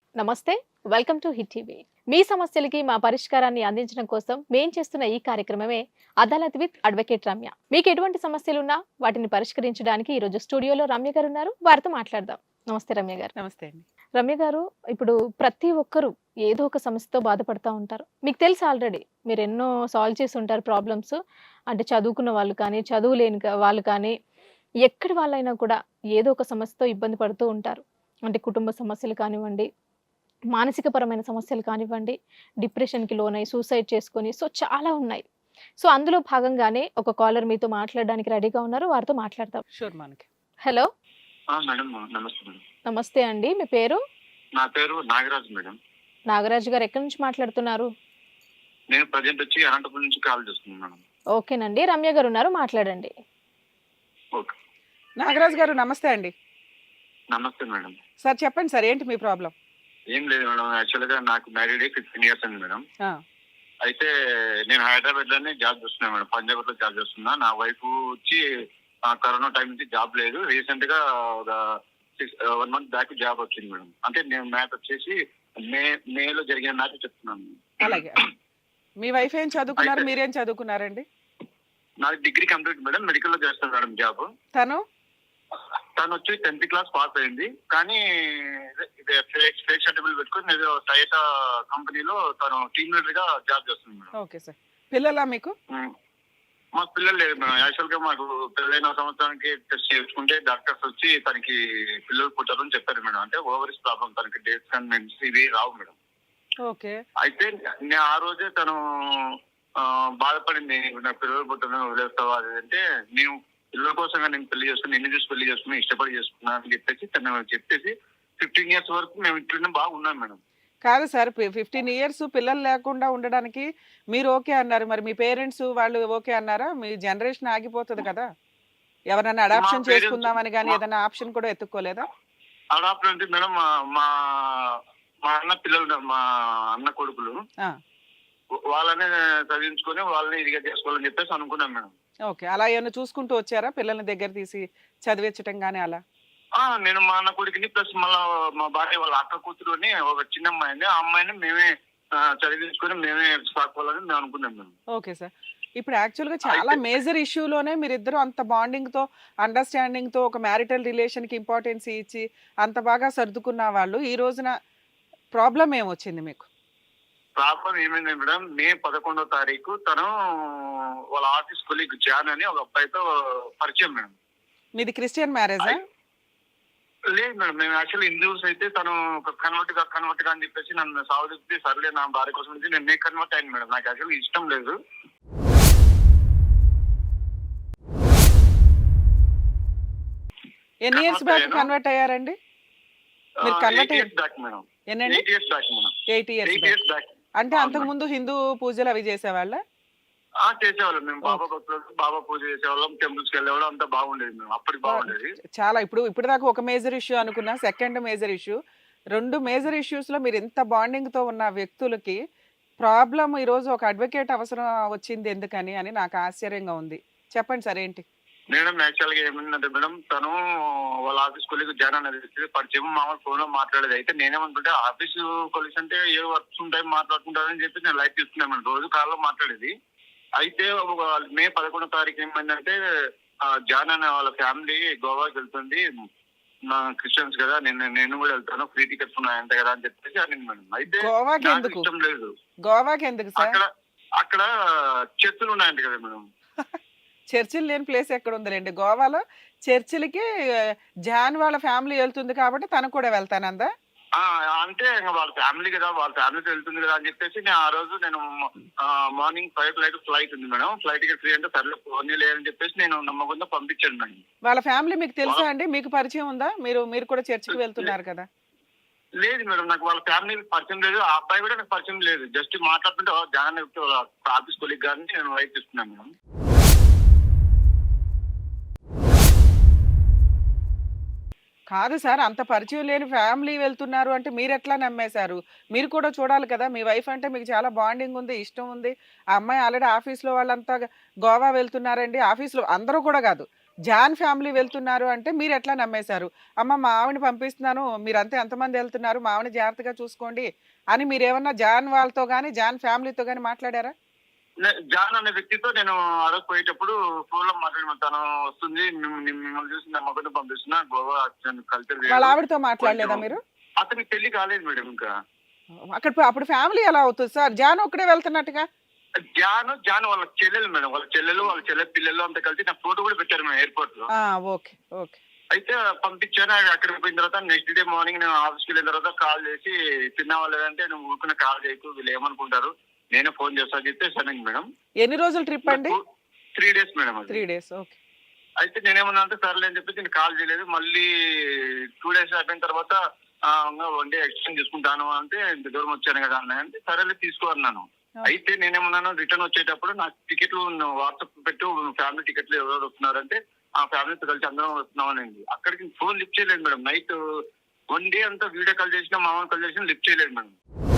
నమస్తే. Welcome to hit TV. మీ సమస్యలకి మా పరిష్కారాన్ని అందించడం కోసం మేం చేస్తున్న ఈ కార్యక్రమమే అదాలత్ విత్ అడ్వకేట్ రమ్య. మీకు ఎటువంటి సమస్యలున్నా వాటిని పరిష్కరించడానికి ఈ రోజు స్టూడియోలో రమ్య గారు ఉన్నారు. వారితో మాట్లాడదాం. నమస్తే రమ్య గారు. నమస్తే అండి. రమ్య గారు, ఇప్పుడు ప్రతి ఒక్కరు ఏదో ఒక సమస్యతో బాధపడతా ఉంటారు. మీకు తెలుసు ఆల్రెడీ మీరు ఎన్నో సాల్వ్ చేసి ఉంటారు ప్రాబ్లమ్స్. అంటే చదువుకున్న వాళ్ళు కానీ, చదువు లేని వాళ్ళు కానీ, ఎక్కడి వాళ్ళైనా కూడా ఏదో ఒక సమస్యతో ఇబ్బంది పడుతూ ఉంటారు. అంటే కుటుంబ సమస్యలు కానివ్వండి, మానసిక పరమైన సమస్యలు కానివ్వండి, డిప్రెషన్‌కి లోనై సూసైడ్ చేసుకొని చాలా ఉన్నాయి. అందులో భాగంగానే ఒక కాలర్ మీతో మాట్లాడడానికి రెడీగా ఉన్నారు. వారితో మాట్లాడదాం. షూర్ మనకి. హలో. మేడం నమస్తే మేడం. నమస్తే అండి. మీ పేరు? నా పేరు నాగరాజు మేడం. నాగరాజు గారు ఎక్కడి నుంచి మాట్లాడుతున్నారు? నేను ప్రజెంట్ వచ్చి అనంతపురం నుంచి కాల్ చేస్తున్నాను మేడం. ఓకేనండి. రమ్య గారు ఉన్నారు, మాట్లాడండి. ఓకే. నాగరాజు గారు నమస్తే అండి. నమస్తే మేడం. సార్ చెప్పండి సార్, ఏంటి మీ ప్రాబ్లం? ఏం లేదు మేడం, యాక్చువల్ గా నాకు మ్యారీడ్ 15 ఇయర్స్ అండి మేడం. అయితే నేను హైదరాబాద్ లోనే జాబ్ చేస్తున్నా మేడం, పంజాబ్ లో జాబ్ చేస్తున్నా. నా వైఫ్ వచ్చి కరోనా టైం నుంచి జాబ్ లేదు. రీసెంట్ గా ఒక 1 మంత్ బ్యాక్ జాబ్ వచ్చింది మేడం. అంటే నేను మ్యాథ్ వచ్చేసి మేలో జరిగిన మ్యాథ్ చెప్తున్నాను. అలాగే. మీ వైఫ్ ఏం చదువుకున్నారు, మీరేం చదువుకున్నారండి? నాది డిగ్రీ కంప్లీట్ మేడం, మెడికల్ లో చేస్తాను మేడం జాబ్. తను వచ్చి 10th క్లాస్ పాస్ అయింది. కానీ ఫేక్ సర్టిఫికేట్ పెట్టుకుని టయోటా కంపెనీలో తను టీమ్ లీడర్ గా జాబ్ చేస్తుంది మేడం. Okay sir. పిల్లలా మీకు? మాకు పిల్లలు లేదు మేడం. యాక్చువల్ గా మాకు పెళ్ళైన సంవత్సరానికి టెస్ట్ చేసుకుంటే డాక్టర్స్ వచ్చి తనకి పిల్లలు పుట్టారని చెప్పారు మేడం. అంటే ఓవరీస్ ప్రాబ్లం, తనకి డేట్స్ అండ్ మెన్స్ ఇవి రావు మేడం. ఓకే. అయితే నేను ఆ రోజే తను బాధపడింది, నాకు పిల్లలు పుట్టారని వదిలేస్తావా అది అంటే, నేను పిల్లల కోసంగా నేను పెళ్లి చేసుకుని, నిన్ను చూసి పెళ్లి చేసుకుని ఇష్టపడి చేసుకున్నా అని చెప్పేసి తను చెప్పేసి 15 ఇయర్స్ వరకు మేము ఇంట్లోనే బాగున్నాం మేడం. కాదు సార్, 15 ఇయర్స్ పిల్లలు లేకుండా ఉండడానికి మీరు ఓకే అన్నారు, మరి మీ పేరెంట్స్ వాళ్ళు ఓకే అన్నారా? మీ జనరేషన్ ఆగిపోతుంది కదా. ఎవరైనా అడాప్షన్ చేసుకుందామని కానీ ఏదైనా ఆప్షన్ కూడా ఎత్తుక్కోలేదా? అడాప్షన్ అంటే మేడం, మా మా అన్న పిల్లలు, మా అన్న కొడుకులు వాళ్ళనే చదివించుకొని వాళ్ళని ఇదిగా చేసుకోవాలని చెప్పేసి అనుకున్నాం మేడం. ఓకే. అలా ఏమైనా చూసుకుంటూ వచ్చారా, పిల్లల్ని దగ్గర తీసి చదివించటం కానీ అలా? నేను మా అన్న కొడుకుని ప్లస్ మళ్ళా మా భార్య వాళ్ళ అక్క కూతురుని ఒక చిన్న అమ్మాయిని, ఆ అమ్మాయిని మేమే చదివించుకొని మేమే సాకోవాలని మేము అనుకున్నాం మేము. Okay sir. ఇప్పుడు యాక్చువల్ గా చాలా మేజర్ ఇష్యూలోనే మీరిద్దరు అంత బాండింగ్ తో, అండర్స్టాండింగ్ తో, ఒక మ్యారిటల్ రిలేషన్ కి ఇంపార్టెన్స్ ఇచ్చి అంత బాగా సర్దుకున్న వాళ్ళు ఈ రోజున ప్రాబ్లం ఏమొచ్చింది మీకు? ప్రాబ్లం ఏమైంది మేడం, మే 11వ తారీఖు తను వాళ్ళ ఆఫీస్ కొలీగ్ జాన్ అని ఒక అబ్బాయితో పరిచయం మేడం. మీది క్రిస్టియన్ మ్యారేజా? లేదు మేడం, మేము యాక్చువల్లీ హిందూస్. అయితే తను కన్వర్ట్ గా అని చెప్పేసి నన్ను సాగుతుంది. సర్లే నా భార్య కోసం నుంచి నేను కన్వర్ట్ అయ్యాను మేడం. నాకు యాక్చువల్లీ ఇష్టం లేదు. ఎన్ని ఇయర్స్ బ్యాక్ కన్వర్ట్ అయ్యారండి? మీరు కన్వర్ట్ 8 years బ్యాక్ మేడం. ఎన్నండి? 8 years back madam. 8 years back. అంటే అంతకు ముందు హిందూ పూజలు అవి చేసేవాళ్ళ? చేసేవాళ్ళం మేము. బాబా పూజ చేసేవాళ్ళం, టెంపుల్స్ కి వెళ్ళేవాళ్ళం, అంతా బాగుండేది మేము. అప్పటికి బాగుండేది. చాలా. ఇప్పుడు దాకా ఒక మేజర్ ఇష్యూ అనుకున్నా, second major issue, 2 major issues లో మీరు ఇంత బాండింగ్ తో ఉన్న వ్యక్తులకి ప్రాబ్లం ఈ రోజు ఒక అడ్వకేట్ అవసరం వచ్చింది ఎందుకని అని నాకు ఆశ్చర్యంగా ఉంది. చెప్పండి సార్, ఏంటి? మేడం యాక్చువల్ గా ఏమైందంటే మేడం, తను వాళ్ళ ఆఫీస్ కొలీగ్ జాన్ అనేది పరిచయం, మామూలు ఫోన్ లో మాట్లాడేది. అయితే నేనేమనుకుంటే ఆఫీస్ కొలీగ్స్ అంటే ఏ వర్క్స్ ఉంటాయి మాట్లాడుకుంటారని చెప్పి నేను లైఫ్ తీసుకున్నాను. రోజు కాల్లో మాట్లాడేది. అయితే మే 11వ తారీఖు ఏమైందంటే, జాన్ అనే వాళ్ళ ఫ్యామిలీ గోవాకి వెళ్తుంది, నా క్రిస్టియన్స్ కదా, నేను కూడా వెళ్తాను, ఫ్రీ టికెట్స్ ఉన్నాయంట కదా అని చెప్పేసి అని మేడం. అయితే నాకు ఇష్టం లేదు. గోవాకి ఎందుకు సార్? అక్కడ చర్చిలు ఉన్నాయంట కదా మేడం. చర్చిలు లేని ప్లేస్ ఎక్కడ ఉందిలేండి. గోవాలో చర్చిలకి జాన్ వాళ్ళ ఫ్యామిలీ వెళ్తుంది కాబట్టి తను కూడా వెళ్తానందా? అంటే వాళ్ళ ఫ్యామిలీ కదా, వాళ్ళ ఫ్యామిలీతో వెళ్తుంది కదా అని చెప్పేసి నేను ఆ రోజు మార్నింగ్ 5 ఫ్లైట్ ఉంది మేడం. ఫ్లైట్ టికెట్ ఫ్రీ అంటే సర్లే ఫోన్ లేదని చెప్పేసి నేను నమ్మకుండా పంపించాను మేడం. వాళ్ళ ఫ్యామిలీ మీకు తెలుసా అండి? మీకు పరిచయం ఉందా? మీరు కూడా చర్చికి వెళ్తున్నారు కదా? లేదు మేడం, నాకు వాళ్ళ ఫ్యామిలీ పరిచయం లేదు. ఆ అబ్బాయి కూడా నాకు పరిచయం లేదు. జస్ట్ మాట్లాడుతుంటే జాన్ ఆఫీస్ కొలీగ్ గారిని నేను వైఫ్ తీసుకున్నాను మేడం. కాదు సార్, అంత పరిచయం లేని ఫ్యామిలీ వెళ్తున్నారు అంటే మీరు ఎట్లా నమ్మేశారు? మీరు కూడా చూడాలి కదా. మీ వైఫ్ అంటే మీకు చాలా బాండింగ్ ఉంది, ఇష్టం ఉంది. ఆ అమ్మాయి ఆల్రెడీ ఆఫీస్లో వాళ్ళంతా గోవా వెళ్తున్నారండి. ఆఫీస్లో అందరూ కూడా కాదు, జాన్ ఫ్యామిలీ వెళ్తున్నారు అంటే మీరు ఎట్లా నమ్మేశారు? అమ్మ మా ఆవిడని పంపిస్తున్నాను, మీరంతా ఎంతమంది వెళ్తున్నారు, మా ఆవిడని జాగ్రత్తగా చూసుకోండి అని మీరేమన్నా జాన్ వాళ్ళతో గాని, జాన్ ఫ్యామిలీతో గాని మాట్లాడారా? జాన్ అనే వ్యక్తితో నేను ఆ రోజు పోయేటప్పుడు ఫోన్ లో మాట్లాడి తను వస్తుంది మిమ్మల్ని చూసి నమ్మకం పంపిస్తున్నా గోవా కల్చర్ వాళ్ళ ఆవిడతో మాట్లాడలేదా మీరు? అతనికి పెళ్లి కాలేదు మేడం ఇంకా. అప్పుడు ఫ్యామిలీ ఎలా అవుతుంది సార్? జాన్ ఒక్కడే వెళ్తున్నట్టుగా. జాన్ వాళ్ళ చెల్లెలు మేడం, వాళ్ళ చెల్లె పిల్లలు అంతా కలిసి నాకు ఫోటో కూడా పెట్టారు మేము ఎయిర్పోర్ట్ లో. Okay okay. అయితే పంపించాను. అక్కడికి పోయిన తర్వాత నెక్స్ట్ డే మార్నింగ్ నేను ఆఫీస్కి వెళ్ళిన తర్వాత కాల్ చేసి తిన్నావా లేదంటే నువ్వు ఊరుకున్న కాల్ చేయకు వీళ్ళు ఏమనుకుంటారు నేనే ఫోన్ చేస్తా చెప్తే సరే మేడం. ఎన్ని రోజుల ట్రిప్ అండి? 3 days మేడం. 3 days. ఓకే. అయితే నేనేమన్నా అంటే సర్లే అని చెప్పేసి నేను కాల్ చేయలేదు. మళ్ళీ 2 days అయిపోయిన తర్వాత 1 day ఎక్స్టెండ్ తీసుకుంటాను అంటే ఇంత దూరం వచ్చాను కదా అన్న అంటే సరేలే తీసుకో అన్నాను. అయితే నేనేమన్నాను రిటర్న్ వచ్చేటప్పుడు నాకు టికెట్లు వాట్సాప్ పెట్టు ఫ్యామిలీ టికెట్లు ఎవరెవరు వస్తున్నారంటే ఆ ఫ్యామిలీతో కలిసి అందరం వస్తున్నామని. అక్కడికి ఫోన్ లిఫ్ట్ చేయలేదు మేడం. నైట్ 1 day అంతా వీడియో కాల్ చేసినా మామూలు కాల్ చేసినా లిఫ్ట్ చేయలేదు మేడం.